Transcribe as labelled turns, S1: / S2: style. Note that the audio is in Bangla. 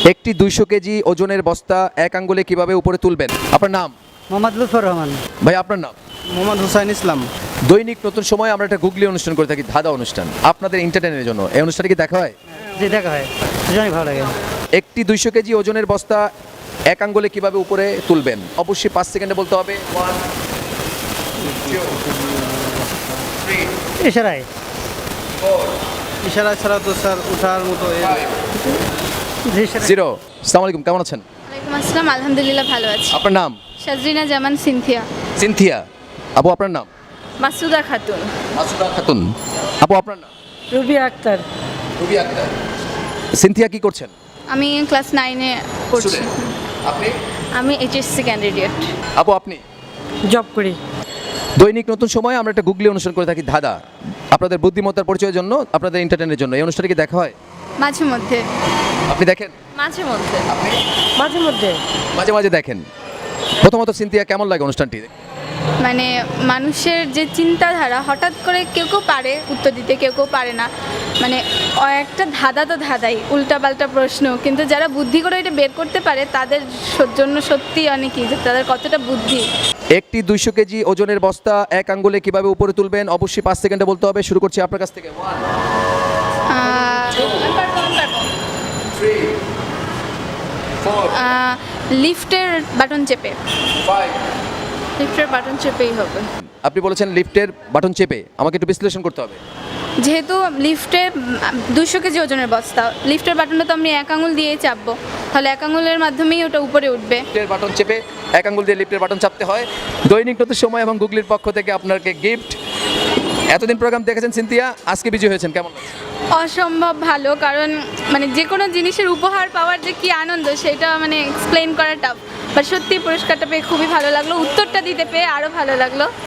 S1: একটি 200 কেজি ওজনের বস্তা এক আঙ্গুলে কিভাবে উপরে তুলবেন? আপনার নাম?
S2: মোহাম্মদ লুৎফর রহমান।
S1: ভাই আপনার নাম?
S3: মোহাম্মদ হুসাইন ইসলাম।
S1: দৈনিক নতুন সময় আমরা একটা গুগলি অনুষ্ঠান করে থাকি, ধাঁধা অনুষ্ঠান, আপনাদের এন্টারটেইনমেন্টের জন্য। এই অনুষ্ঠানে কি দেখা হয়?
S2: জি, দেখা হয়, অনেক ভালো লাগে।
S1: একটি 200 কেজি ওজনের বস্তা এক আঙ্গুলে কিভাবে উপরে তুলবেন? অবশ্যই 5 সেকেন্ডে বলতে হবে। 1 2 3
S2: এছাড়াই
S1: 4
S3: ইশারা ছাড়া তো স্যার ওঠার মতো
S1: 0। আসসালামু আলাইকুম, কেমন আছেন?
S4: ওয়ালাইকুম আসসালাম, আলহামদুলিল্লাহ ভালো আছি।
S1: আপনার নাম?
S4: সাজরিনা জামান সিনথিয়া।
S1: সিনথিয়া। আপু আপনার নাম?
S4: মাসুদা খাতুন।
S1: মাসুদা খাতুন। আপু আপনার নাম?
S2: রুবি আক্তার।
S1: রুবি আক্তার। সিনথিয়া কি করছেন?
S4: আমি ক্লাস 9-এ পড়ছি।
S1: Student। আপনি?
S4: আমি এইচএসসি ক্যান্ডিডেট।
S1: আপু আপনি?
S2: জব করি।
S1: দৈনিক নতুন সময় আমরা একটা গুগলি অনুষ্ঠান করে থাকি, ধাঁধা, আপনাদের বুদ্ধিমত্তার পরিচয়ের জন্য, আপনাদের এন্টারটেইনমেন্টের জন্য। এই অনুষ্ঠানে কি দেখা হয়?
S4: মাঝে মধ্যে।
S1: আপনি দেখেন?
S4: মাঝে মধ্যে।
S1: আপনি?
S2: মাঝে মধ্যে।
S1: মাঝে মাঝে দেখেন। প্রথমত সিনথিয়া, কেমন লাগে অনুষ্ঠানটি?
S4: মানে মানুষের যে চিন্তাধারা, হঠাৎ করে কেউ কেউ পারে উত্তর দিতে, কেউ কেউ পারে না। মানে একটা ধাঁধা তো ধাঁধাই, উল্টাপাল্টা প্রশ্ন, কিন্তু যারা বুদ্ধি করে এটা বের করতে পারে তাদের জন্য সত্যি অনেকই, যে তাদের কতটা বুদ্ধি।
S1: একটি 200 কেজি ওজনের বস্তা এক আঙ্গুলে কিভাবে উপরে তুলবেন? অবশ্যই 5 সেকেন্ডে বলতে হবে। শুরু করছি আপনার কাছ থেকে। 1 3 4
S4: লিফটের বাটন চেপে।
S1: 5।
S4: লিফটের বাটন চেপেই হবে।
S1: আপনি বলেছেন লিফটের বাটন চেপে, আমাকে একটু বিশ্লেষণ করতে হবে।
S4: যেহেতু লিফটে 200 কেজি ওজনের বস্তা, লিফটের বাটনটা তো আমি এক আঙুল দিয়েই চাপবো, তাহলে এক আঙুলের মাধ্যমেই ওটা উপরে উঠবে।
S1: লিফটের বাটন চেপে এক আঙ্গুল দিয়ে লিফটের বাটন চাপতে হয়। দৈনিক নতুন সময় এবং গুগলির পক্ষ থেকে আপনাকে গিফট। এতদিন প্রোগ্রাম দেখেছেন সিনথিয়া, আজকে বিজয় হয়েছেন, কেমন লাগছে?
S4: অসম্ভব ভালো, কারণ মানে যে কোনো জিনিসের উপহার পাওয়ার যে কি আনন্দ সেটা মানে এক্সপ্লেন করা টাফ, বাট সত্যি পুরস্কারটা পেয়ে খুবই ভালো লাগলো, উত্তরটা দিতে পেয়ে আরও ভালো লাগলো।